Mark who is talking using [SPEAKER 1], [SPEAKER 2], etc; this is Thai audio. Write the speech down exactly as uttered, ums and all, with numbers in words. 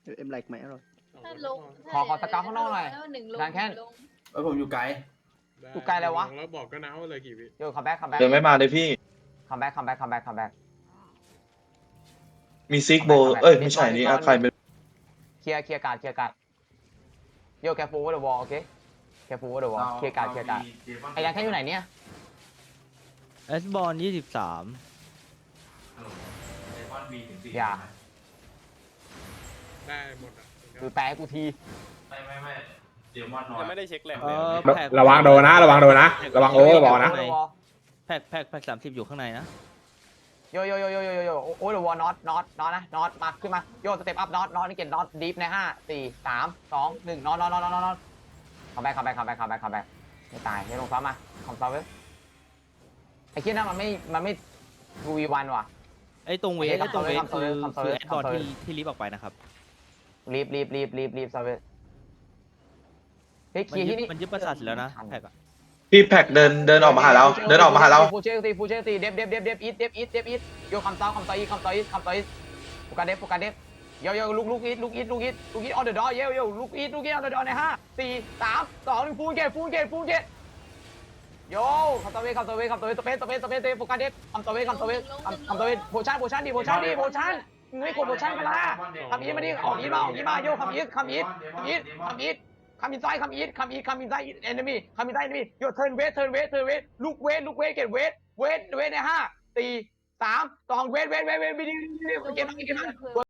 [SPEAKER 1] เอ็มไลค์ไหมอร่อย
[SPEAKER 2] ถ้าลง
[SPEAKER 3] ขอขอสเกาต์ข้างนอกหน่อย
[SPEAKER 2] หนึ่งลง
[SPEAKER 3] การแค่
[SPEAKER 2] ลง
[SPEAKER 4] เออผมอยู่ไกล
[SPEAKER 3] อยู่ไกลอะไรวะ
[SPEAKER 5] แล้วบอกก็นะว่าเลยกี่วิ
[SPEAKER 3] โยคัมแบ็กคัมแบ็ก
[SPEAKER 6] เดินไม่มาเลยพี่
[SPEAKER 3] คัมแบ็กคัมแบ็กคัมแบ็กคัมแบ็ก
[SPEAKER 6] มีซิกโบเอ้ยไม่ใช่นี่อะใครเป็น
[SPEAKER 3] เคลียร์เคลียร์การ์ดเคลียร์การ์ดโยแคฟูเดอะวอลโอเคแคฟูเดอะวอลเคลียร์การ์ดเคลียร์การ์ดไอ้ยังแค่อยู่ไหนเนี่ย
[SPEAKER 7] เอสบอลยี่สิบสาม
[SPEAKER 3] อย่า
[SPEAKER 5] ได้หมดอ่ะ
[SPEAKER 3] คือแปลให้กูที
[SPEAKER 4] ไม่ไม่ไม่เดี๋ยวมอนน้อย
[SPEAKER 8] ยังไม่ได้เช็คแหลก
[SPEAKER 7] เอ
[SPEAKER 8] เลย
[SPEAKER 7] อ
[SPEAKER 8] อะ
[SPEAKER 7] แพ็ค
[SPEAKER 9] ระวังโดนนะระวังโดนนะระวังโอเวอร์บอลนะ
[SPEAKER 7] แพ็คแพ็คแพ็คสามสิบอยู่ข้างในนะ
[SPEAKER 3] โยโยโยโยโยโยโอ้เดอะวอลน็อตน็อตน็อตนะน็อตมาขึ้นมาโยสเต็ปอัพน็อตน็อตนี่เก็ตน็อตดีฟในห้าสี่สามสองหนึ่งน็อตน็อตน็อตน็อตน็อตคัมแบ็กคัมแบ็กคัมแบ็กคัมแบ็กคัมแบ็กไม่ตายไม่ลงซ้ำมาคอมซอเวอร์ไอ้เคียนั่นมันไม่มันไม่ดูวีวันว่ะ
[SPEAKER 7] ไอ้ตรงเวทไอ้ตรงเวท
[SPEAKER 3] คำเซอ
[SPEAKER 7] คื
[SPEAKER 3] ร์
[SPEAKER 7] อ
[SPEAKER 3] คำเซอร์
[SPEAKER 7] คือแอดบอล
[SPEAKER 3] คำเซอร์
[SPEAKER 7] ที่ที่ลิฟต์ออกไปนะครับ
[SPEAKER 3] รีบรีบรีบรีบรีบซอเวอร์เฮ้ย
[SPEAKER 7] มัน
[SPEAKER 3] คีย์
[SPEAKER 7] ยึ
[SPEAKER 3] ที่
[SPEAKER 7] ด
[SPEAKER 3] นี่
[SPEAKER 7] มันยึดประสาทเสร็จแล้วนะแพ็คอะ
[SPEAKER 6] พี่แพ็กเดินเดินออกมาหาเราเดินออกมาหาเรา
[SPEAKER 3] ฟูเชลตีฟูเชลตีเดฟเดฟเดฟเดฟอีทเดฟอีทเดฟอีทโยคำซ้อคำซ้ออีคำซ้ออีคำซ้ออีโฟกัสเดฟโฟกัสเดฟโยโยลุกลุกอีทลุกอีทลุกอีทลุกอีทออนเดอะดอร์โยโยลุกอีทลุกอีทออนเดอะดอร์ในห้าสี่สามสองหนึ่งฟูเกตฟูเกตฟูเกตโยคำซ้อเวคำซ้อเวคำซ้อเวสเปซสเปซสเปซโฟกัสเดฟคำซ้อเวคำซ้อเวคำซ้อเวโพชั่นโพชั่นดิโพชั่นดิโพชั่นมึงไม่กดโพชั่นกันละคำอีทมาดิออกอีทมาออกอีทมาโยคำอีทคำอีทคำอีทคำอีท come inside come in come in come inside enemy come inside enemy your turn wait turn wait turn wait look wait look wait get wait wait wait ในห้าสี่สามสอง wait wait wait wait วิดีโอเกมนั้นเกมนั้น